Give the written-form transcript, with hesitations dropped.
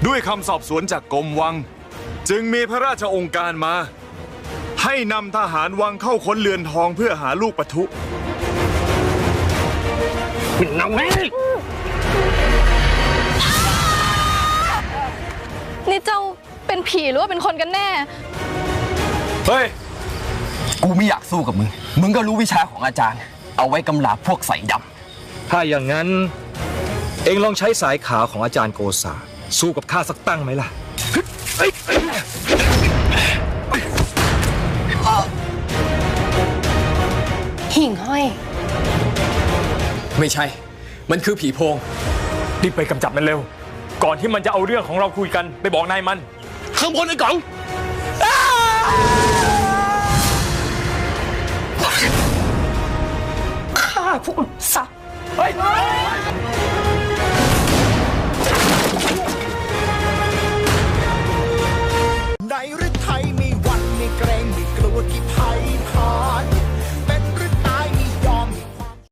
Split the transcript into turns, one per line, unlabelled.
ด้วยคำสอบสวนจากกรมวังจึงมีพระราชองค์การมาให้นำทหารวังเข้าค้นเรือนทองเพื่อหาลูกปะทุ
นี่เจ้าเป็นผีหรือว่าเป็นคนกันแน่
เฮ้ย
กูไม่อยากสู้กับมึง มึงก็รู้วิชาของอาจารย์ เอาไว้กำราบพวกใส่ดำ
ถ้าอย่างนั้น เองลองใช้สายขาวของอาจารย์โกษาสู้กับข้าสักตั้งไหมล่ะ
หิ่งห้อย
ไม่ใช่ มันคือผีโพง
รีบไปกำจับมันเร็ว ก่อนที่มันจะเอาเรื่องของเราคุยกันไปบอกนายมัน
ข้างบนไอ้กล่อง
ข้าพวกสัตว์